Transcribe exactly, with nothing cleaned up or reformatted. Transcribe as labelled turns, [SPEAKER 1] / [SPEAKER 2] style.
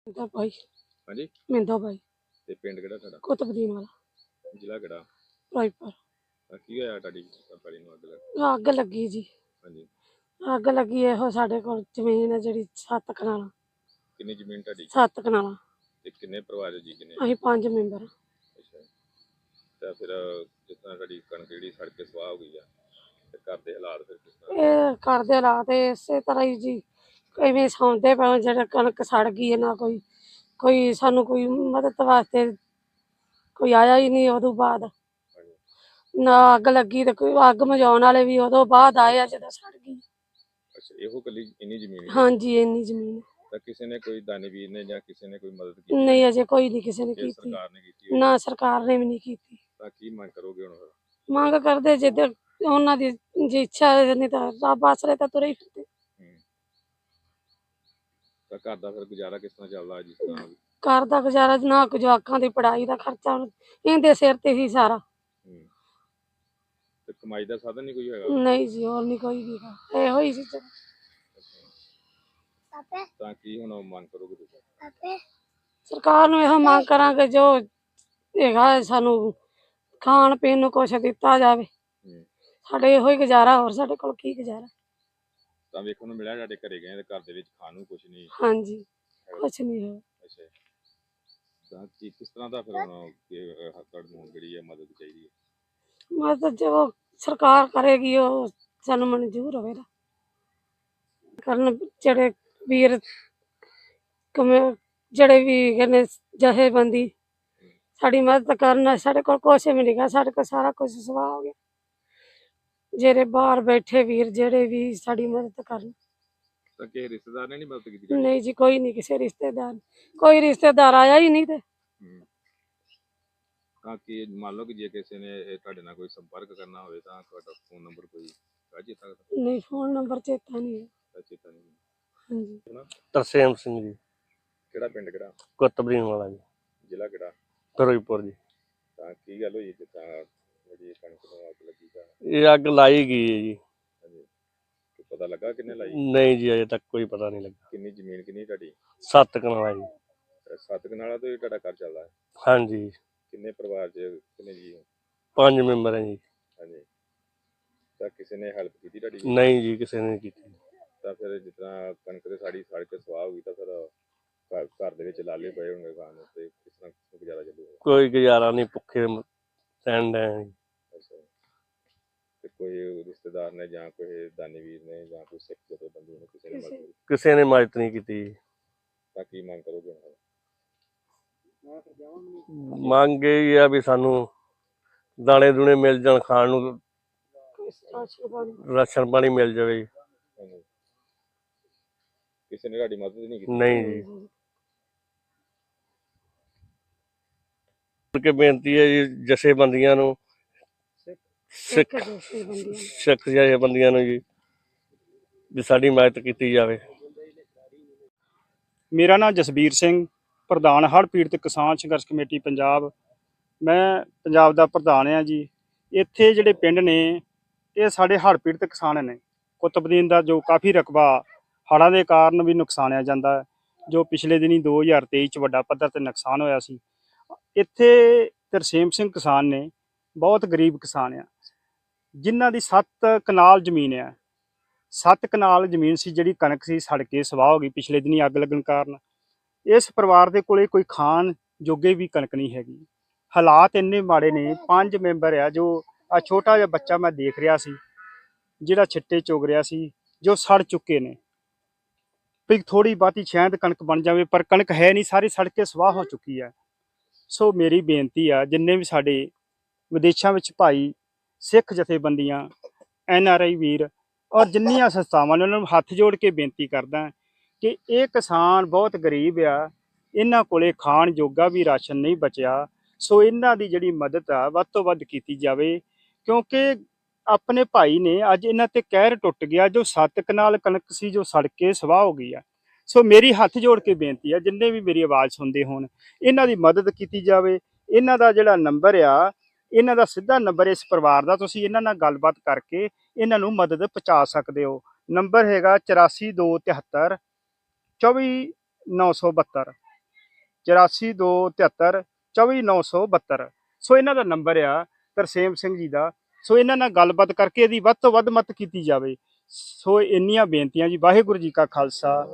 [SPEAKER 1] ਮਿੰਦੋ ਭਾਈ
[SPEAKER 2] ਹਾਂਜੀ
[SPEAKER 1] ਮਿੰਦੋ ਭਾਈ
[SPEAKER 2] ਤੇ ਪਿੰਡ ਕਿਹੜਾ ਤੁਹਾਡਾ?
[SPEAKER 1] ਕੁਤਬਦੀਨ ਵਾਲਾ
[SPEAKER 2] ਜ਼ਿਲ੍ਹਾ ਕਿਹੜਾ?
[SPEAKER 1] ਫਿਰੋਜ਼ਪੁਰ।
[SPEAKER 2] ਤਾਂ ਕੀ ਹੋਇਆ ਤੁਹਾਡੀ ਪੈਲੀ ਨੂੰ ਅੱਗ ਲੱਗ?
[SPEAKER 1] ਅੱਗ ਲੱਗੀ ਜੀ।
[SPEAKER 2] ਹਾਂਜੀ
[SPEAKER 1] ਅੱਗ ਲੱਗੀ ਇਹੋ ਸਾਡੇ ਕੋਲ ਜ਼ਮੀਨ ਹੈ ਜਿਹੜੀ ਸੱਤ ਕਨਾਲਾਂ।
[SPEAKER 2] ਕਿੰਨੀ ਜ਼ਮੀਨ ਤੁਹਾਡੀ
[SPEAKER 1] ਸੱਤ ਕਨਾਲਾਂ।
[SPEAKER 2] ਤੇ ਕਿੰਨੇ ਪਰਿਵਾਰ ਜੀ? ਕਿੰਨੇ?
[SPEAKER 1] ਅਸੀਂ ਪੰਜ ਮੈਂਬਰ।
[SPEAKER 2] ਅੱਛਾ ਤਾਂ ਫਿਰ ਜਿਸ ਤਰ੍ਹਾਂ ਤੁਹਾਡੀ ਕਣਕ ਜਿਹੜੀ ਸੜ ਕੇ ਸਵਾਹ ਹੋ ਗਈ ਆ ਤੇ ਘਰ ਦੇ ਹਾਲਾਤ ਫਿਰ ਕਿਸ ਤਰ੍ਹਾਂ?
[SPEAKER 1] ਇਹ ਘਰ ਦੇ ਹਾਲਾਤ ਇਸੇ ਤਰ੍ਹਾਂ ਹੀ ਜੀ, ਇਵੇਂ ਸੌਂਦੇ ਪਏ ਜਿਹੜੇ ਕਣਕ ਸੜ ਗਈ ਹੈ। ਨਾ ਕੋਈ ਕੋਈ ਸਾਨੂੰ ਕੋਈ ਮਦਦ ਵਾਸਤੇ ਕੋਈ ਆਇਆ ਹੀ ਨਹੀਂ ਉਦੋਂ ਬਾਅਦ। ਨਾ ਅੱਗ ਲੱਗੀ ਤੇ ਕੋਈ ਅੱਗ ਮਝਾਉਣ ਵਾਲੇ ਵੀ ਉਦੋਂ ਬਾਅਦ ਆਏ ਆ ਜਦੋਂ ਸੜ ਗਈ।
[SPEAKER 2] ਅੱਛਾ ਇਹੋ ਕੱਲੀ ਇੰਨੀ ਜ਼ਮੀਨ?
[SPEAKER 1] ਹਾਂਜੀ ਇੰਨੀ ਜ਼ਮੀਨ।
[SPEAKER 2] ਤਾਂ ਕਿਸੇ ਨੇ ਕੋਈ ਦਾਨੀਵੀਰ ਨੇ ਜਾਂ ਕਿਸੇ ਨੇ ਕੋਈ ਮਦਦ ਕੀਤੀ?
[SPEAKER 1] ਨਹੀਂ ਅਜੇ ਕੋਈ ਨਹੀਂ ਕਿਸੇ ਨੇ
[SPEAKER 2] ਇਹ
[SPEAKER 1] ਕੀਤੀ।
[SPEAKER 2] ਸਰਕਾਰ ਨੇ ਕੀਤੀ?
[SPEAKER 1] ਨਾ ਸਰਕਾਰ ਨੇ ਵੀ ਨਹੀਂ ਕੀਤੀ।
[SPEAKER 2] ਤਾਂ ਕੀ ਮੰਗ ਕਰੋਗੇ ਹੁਣ ਫਿਰ?
[SPEAKER 1] ਮੰਗ ਕਰਦੇ ਜਿੱਦਾਂ ਉਹਨਾਂ ਦੀ ਜੇ ਇੱਛਾ ਹੈ, ਨਹੀਂ ਤਾਂ ਰੱਬ ਆਸਰੇ ਤਾਂ ਤੁਰੇ ਹੀ ਫਿਰਦੇ।
[SPEAKER 2] ਤਾਂ ਘਰ ਦਾ ਫਿਰ ਗੁਜ਼ਾਰਾ ਕਿਸ ਤਰ੍ਹਾਂ ਚੱਲਦਾ? ਜਿਸ ਤਰ੍ਹਾਂ
[SPEAKER 1] ਘਰ ਦਾ ਗੁਜ਼ਾਰਾ ਨਾ ਕੁਝ ਜਵਾਕਾਂ ਦੀ ਪੜ੍ਹਾਈ ਦਾ ਖਰਚਾ ਇਹਦੇ ਸਿਰ ਤੇ ਹੀ ਸਾਰਾ।
[SPEAKER 2] ਤੇ ਕਮਾਈ ਦਾ ਸਾਧਨ ਨਹੀਂ ਕੋਈ ਹੈਗਾ?
[SPEAKER 1] ਨਹੀਂ ਜੀ ਹੋਰ ਨਹੀਂ ਕੋਈ ਵੀ ਇਹੋ ਹੀ ਸੀ।
[SPEAKER 2] ਤਾਂ ਕੀ ਹੁਣ ਮੰਗ ਕਰੋਗੇ ਤੁਸੀਂ?
[SPEAKER 1] ਸਰਕਾਰ ਨੂੰ ਇਹੋ ਮੰਗ ਕਰਾਂਗੇ ਜੋ ਹੈਗਾ ਸਾਨੂੰ ਖਾਣ ਪੀਣ ਨੂੰ ਕੁਛ ਦਿੱਤਾ ਜਾਵੇ। ਸਾਡੇ ਇਹੋ ਹੀ ਗੁਜ਼ਾਰਾ, ਹੋਰ ਸਾਡੇ ਕੋਲ ਕੀ ਗੁਜ਼ਾਰਾ।
[SPEAKER 2] ਤਾਂ ਵੇਖਣ ਨੂੰ ਮਿਲਿਆ ਸਾਡੇ ਘਰੇ ਗਏ ਤੇ ਘਰ ਦੇ ਵਿੱਚ ਖਾਣ ਨੂੰ ਕੁਛ ਨਹੀਂ?
[SPEAKER 1] ਹਾਂਜੀ ਕੁਛ ਨਹੀਂ ਹੈ।
[SPEAKER 2] ਅੱਛਾ ਤਾਂ ਕੀ ਕਿਸ ਤਰ੍ਹਾਂ ਦਾ ਫਿਰ ਹੁਣ ਹੱਥੜ ਨੂੰ ਜਿਹੜੀ ਹੈ ਮਦਦ ਚਾਹੀਦੀ ਹੈ?
[SPEAKER 1] ਮਦਦ ਜੋ ਸਰਕਾਰ ਕਰੇਗੀ ਉਹ ਸਾਨੂੰ ਮਨਜ਼ੂਰ ਹੋਵੇਗਾ ਕਰਨ। ਜਿਹੜੇ ਵੀਰ ਕਮੇ ਜਿਹੜੇ ਵੀ ਕਹਿੰਦੇ ਜਥੇਬੰਦੀ ਸਾਡੀ ਮਦਦ ਕਰਨ। ਸਾਡੇ ਕੋਲ ਕੁਛ ਵੀ ਨਹੀਂ ਗਾ, ਸਾਡੇ ਕੋਲ ਸਾਰਾ ਕੁਝ ਸਵਾਹ ਹੋ ਗਿਆ। ਜਿਹੜੇ ਬਾਹਰ ਬੈਠੇ ਵੀਰ ਜਿਹੜੇ ਵੀ ਸਾਡੀ ਮਦਦ ਕਰਨ।
[SPEAKER 2] ਤਾਂ ਕਿਸੇ ਰਿਸ਼ਤੇਦਾਰ ਨੇ ਨਹੀਂ ਮਦਦ ਕੀਤੀ?
[SPEAKER 1] ਨਹੀਂ ਜੀ ਕੋਈ ਨਹੀਂ, ਕਿਸੇ ਰਿਸ਼ਤੇਦਾਰ ਕੋਈ ਰਿਸ਼ਤੇਦਾਰ ਆਇਆ ਹੀ ਨਹੀਂ। ਤੇ
[SPEAKER 2] ਤਾਂ ਕਿ ਮੰਨ ਲਓ ਕਿ ਜੇ ਕਿਸੇ ਨੇ ਤੁਹਾਡੇ ਨਾਲ ਕੋਈ ਸੰਪਰਕ ਕਰਨਾ ਹੋਵੇ ਤਾਂ ਤੁਹਾਡਾ ਫੋਨ ਨੰਬਰ ਕੋਈ ਰਾਜੀ ਸਕਦਾ?
[SPEAKER 1] ਨਹੀਂ ਫੋਨ ਨੰਬਰ ਚੇਤਾ ਨਹੀਂ ਹੈ।
[SPEAKER 2] ਚੇਤਾ ਨਹੀਂ?
[SPEAKER 1] ਹਾਂਜੀ
[SPEAKER 3] ਤਰਸੇਮ ਸਿੰਘ ਜੀ।
[SPEAKER 2] ਕਿਹੜਾ ਪਿੰਡ ਕਿਹੜਾ?
[SPEAKER 3] ਕੁਤਬਦੀਨ ਵਾਲਾ ਜੀ।
[SPEAKER 2] ਜ਼ਿਲ੍ਹਾ ਕਿਹੜਾ?
[SPEAKER 3] ਫਿਰੋਜ਼ਪੁਰ ਜੀ।
[SPEAKER 2] ਤਾਂ ਕੀ ਗੱਲ ਹੋਈ ਜਿੱਦਾਂ ਜਿਹੜੀ ਕਣਕ ਨੂੰ ਅੱਗ ਲੱਗੀ? ਤਾਂ
[SPEAKER 3] ਇਹ ਅੱਗ ਲਾਈ ਗਈ ਹੈ ਜੀ।
[SPEAKER 2] ਹਾਂਜੀ ਪਤਾ ਲੱਗਾ ਕਿੰਨੇ ਲਾਈ?
[SPEAKER 3] ਨਹੀਂ ਜੀ ਅਜੇ ਤੱਕ ਕੋਈ ਪਤਾ ਨਹੀਂ ਲੱਗਾ।
[SPEAKER 2] ਕਿੰਨੀ ਜ਼ਮੀਨ ਕਿੰਨੀ ਤੁਹਾਡੀ?
[SPEAKER 3] ਸੱਤ ਕਨਾਲਾਂ ਜੀ।
[SPEAKER 2] ਸੱਤ ਕਨਾਲਾਂ ਤੋਂ ਹੀ ਤੁਹਾਡਾ ਘਰ ਚੱਲਦਾ ਹੈ?
[SPEAKER 3] ਹਾਂਜੀ।
[SPEAKER 2] ਕਿੰਨੇ ਪਰਿਵਾਰ 'ਚ ਕਿੰਨੇ ਜੀ?
[SPEAKER 3] ਪੰਜ ਮੈਂਬਰ ਹੈ ਜੀ।
[SPEAKER 2] ਹਾਂਜੀ ਤਾਂ ਕਿਸੇ ਨੇ ਹੈਲਪ ਕੀਤੀ ਤੁਹਾਡੀ?
[SPEAKER 3] ਨਹੀਂ ਜੀ ਕਿਸੇ ਨੇ ਨਹੀਂ ਕੀਤੀ।
[SPEAKER 2] ਤਾਂ ਫਿਰ ਜਿਸ ਤਰ੍ਹਾਂ ਕਣਕ ਦੇ ਸਾੜੀ ਸੜ ਕੇ ਸਵਾਹ ਹੋ ਗਈ ਤਾਂ ਫਿਰ ਘਰ ਘਰ ਦੇ ਵਿੱਚ ਲਾਲੇ ਪਏ ਹੋਣਗੇ ਖਾਣ ਨੂੰ, ਤੇ ਕਿਸ ਤਰ੍ਹਾਂ ਗੁਜ਼ਾਰਾ ਚੱਲੂਗਾ?
[SPEAKER 3] ਕੋਈ ਗੁਜ਼ਾਰਾ ਨਹੀਂ, ਭੁੱਖੇ ਰਹਿਣ ਡਏ ਜੀ।
[SPEAKER 2] ਅੱਛਾ ਤੇ ਕੋਈ ਰਿਸ਼ਤੇਦਾਰ ਨੇ ਜਾਂ ਕੋਈ ਦਾਨੀਵੀਰ ਨੇ ਜਾਂ ਕੋਈ ਸਿੱਖ ਜਥੇਬੰਦੀ ਨੇ ਕਿਸੇ ਨੇ ਮਦਦ?
[SPEAKER 3] ਕਿਸੇ ਨੇ ਮਦਦ ਨਹੀਂ ਕੀਤੀ।
[SPEAKER 2] ਤਾਂ ਕੀ ਮੰਗ ਕਰੋਗੇ?
[SPEAKER 3] ਮੰਗ ਇਹ ਆ ਵੀ ਸਾਨੂੰ ਦਾਣੇ ਦੂਣੇ ਮਿਲ ਜਾਣ, ਖਾਣ ਨੂੰ ਰਾਸ਼ਨ ਪਾਣੀ ਮਿਲ ਜਾਵੇ।
[SPEAKER 2] ਕਿਸੇ ਨੇ ਤੁਹਾਡੀ ਮਦਦ ਨਹੀਂ ਕੀਤੀ?
[SPEAKER 3] ਨਹੀਂ ਜੀ। ਕਿ ਬੇਨਤੀ ਹੈ ਜੀ ਜਥੇਬੰਦੀਆਂ ਨੂੰ, ਸਿੱਖ ਸਿੱਖ ਜਥੇਬੰਦੀਆਂ ਨੂੰ ਜੀ, ਵੀ ਸਾਡੀ ਮਦਦ ਕੀਤੀ ਜਾਵੇ।
[SPEAKER 4] ਮੇਰਾ ਨਾਮ ਜਸਬੀਰ ਸਿੰਘ, ਪ੍ਰਧਾਨ ਹੜ੍ਹ ਪੀੜਤ ਕਿਸਾਨ ਸੰਘਰਸ਼ ਕਮੇਟੀ ਪੰਜਾਬ। ਮੈਂ ਪੰਜਾਬ ਦਾ ਪ੍ਰਧਾਨ ਹਾਂ ਜੀ। ਇੱਥੇ ਜਿਹੜੇ ਪਿੰਡ ਨੇ ਇਹ ਸਾਡੇ ਹੜ੍ਹ ਪੀੜਤ ਕਿਸਾਨ ਨੇ। ਕੁਤਬਦੀਨ ਦਾ ਜੋ ਕਾਫੀ ਰਕਬਾ ਹੜ੍ਹਾਂ ਦੇ ਕਾਰਨ ਵੀ ਨੁਕਸਾਨਿਆ ਜਾਂਦਾ ਹੈ, ਜੋ ਪਿਛਲੇ ਦਿਨੀ ਦੋ ਹਜ਼ਾਰ ਤੇਈ 'ਚ ਵੱਡਾ ਪੱਧਰ 'ਤੇ ਨੁਕਸਾਨ ਹੋਇਆ ਸੀ। ਇੱਥੇ ਤਰਸੇਮ ਸਿੰਘ ਕਿਸਾਨ ਨੇ, ਬਹੁਤ ਗਰੀਬ ਕਿਸਾਨ ਆ, ਜਿਨ੍ਹਾਂ ਦੀ ਸੱਤ ਕਨਾਲ ਜ਼ਮੀਨ ਆ। ਸੱਤ ਕਨਾਲ ਜ਼ਮੀਨ ਸੀ ਜਿਹੜੀ ਕਣਕ ਸੀ ਸੜ ਕੇ ਸਵਾਹ ਹੋ ਗਈ ਪਿਛਲੇ ਦਿਨੀ ਅੱਗ ਲੱਗਣ ਕਾਰਨ। ਇਸ ਪਰਿਵਾਰ ਦੇ ਕੋਲੇ ਕੋਈ ਖਾਣ ਜੋਗੇ ਵੀ ਕਣਕ ਨਹੀਂ ਹੈਗੀ। ਹਾਲਾਤ ਇੰਨੇ ਮਾੜੇ ਨੇ। ਪੰਜ ਮੈਂਬਰ ਆ, ਜੋ ਆ ਛੋਟਾ ਜਿਹਾ ਬੱਚਾ ਮੈਂ ਦੇਖ ਰਿਹਾ ਸੀ ਜਿਹੜਾ ਛਿੱਟੇ ਚੁਗ ਰਿਹਾ ਸੀ, ਜੋ ਸੜ ਚੁੱਕੇ ਨੇ। ਵੀ ਥੋੜੀ ਬਹੁਤੀ ਸ਼ਾਇਦ ਕਣਕ ਬਣ ਜਾਵੇ, ਪਰ ਕਣਕ ਹੈ ਨਹੀਂ, ਸਾਰੀ ਸੜ ਕੇ ਸਵਾਹ ਹੋ ਚੁੱਕੀ ਹੈ। ਸੋ ਮੇਰੀ ਬੇਨਤੀ ਆ ਜਿੰਨੇ ਵੀ ਸਾਡੇ ਵਿਦੇਸ਼ਾਂ ਵਿੱਚ ਭਾਈ, ਸਿੱਖ ਜਥੇਬੰਦੀਆਂ, ਐਨ ਆਰ ਆਈ ਵੀਰ ਔਰ ਜਿੰਨੀਆਂ ਸੰਸਥਾਵਾਂ ਨੇ, ਉਹਨਾਂ ਨੂੰ ਹੱਥ ਜੋੜ ਕੇ ਬੇਨਤੀ ਕਰਦਾ ਕਿ ਇਹ ਕਿਸਾਨ ਬਹੁਤ ਗਰੀਬ ਆ, ਇਹਨਾਂ ਕੋਲੇ ਖਾਣ ਜੋਗਾ ਵੀ ਰਾਸ਼ਨ ਨਹੀਂ ਬਚਿਆ। ਸੋ ਇਹਨਾਂ ਦੀ ਜਿਹੜੀ ਮਦਦ ਆ ਵੱਧ ਤੋਂ ਵੱਧ ਕੀਤੀ ਜਾਵੇ, ਕਿਉਂਕਿ ਆਪਣੇ ਭਾਈ ਨੇ ਅੱਜ ਇਹਨਾਂ ਤੇ ਕਹਿਰ ਟੁੱਟ ਗਿਆ। ਜੋ ਸੱਤ ਕਨਾਲ ਕਣਕ ਸੀ ਜੋ ਸੜ ਕੇ ਸਵਾਹ ਹੋ ਗਈ ਆ। ਸੋ ਮੇਰੀ ਹੱਥ ਜੋੜ ਕੇ ਬੇਨਤੀ ਆ ਜਿੰਨੇ ਵੀ ਮੇਰੀ ਆਵਾਜ਼ ਸੁਣਦੇ ਹੋਣ, ਇਹਨਾਂ ਦੀ ਮਦਦ ਕੀਤੀ ਜਾਵੇ। ਇਹਨਾਂ ਦਾ ਜਿਹੜਾ ਨੰਬਰ ਆ, ਇਹਨਾਂ ਦਾ ਸਿੱਧਾ ਨੰਬਰ ਇਸ ਪਰਿਵਾਰ ਦਾ, ਤੁਸੀਂ ਇਹਨਾਂ ਨਾਲ ਗੱਲਬਾਤ ਕਰਕੇ ਇਹਨਾਂ ਨੂੰ ਮਦਦ ਪਹੁੰਚਾ ਸਕਦੇ ਹੋ। ਨੰਬਰ ਹੈਗਾ ਚੁਰਾਸੀ ਦੋ ਤਿਹੱਤਰ ਚੌਵੀ ਨੌ ਸੌ ਬਹੱਤਰ। ਚੁਰਾਸੀ ਦੋ ਤਿਹੱਤਰ ਚੌਵੀ ਨੌ ਸੌ ਬਹੱਤਰ। ਸੋ ਇਹਨਾਂ ਦਾ ਨੰਬਰ ਆ ਤਰਸੇਮ ਸਿੰਘ ਜੀ ਦਾ। ਸੋ ਇਹਨਾਂ ਨਾਲ ਗੱਲਬਾਤ ਕਰਕੇ ਇਹਦੀ ਵੱਧ ਤੋਂ ਵੱਧ ਮਦਦ ਕੀਤੀ ਜਾਵੇ। ਸੋ ਇੰਨੀਆਂ ਬੇਨਤੀਆਂ ਜੀ। ਵਾਹਿਗੁਰੂ ਜੀ ਕਾ ਖਾਲਸਾ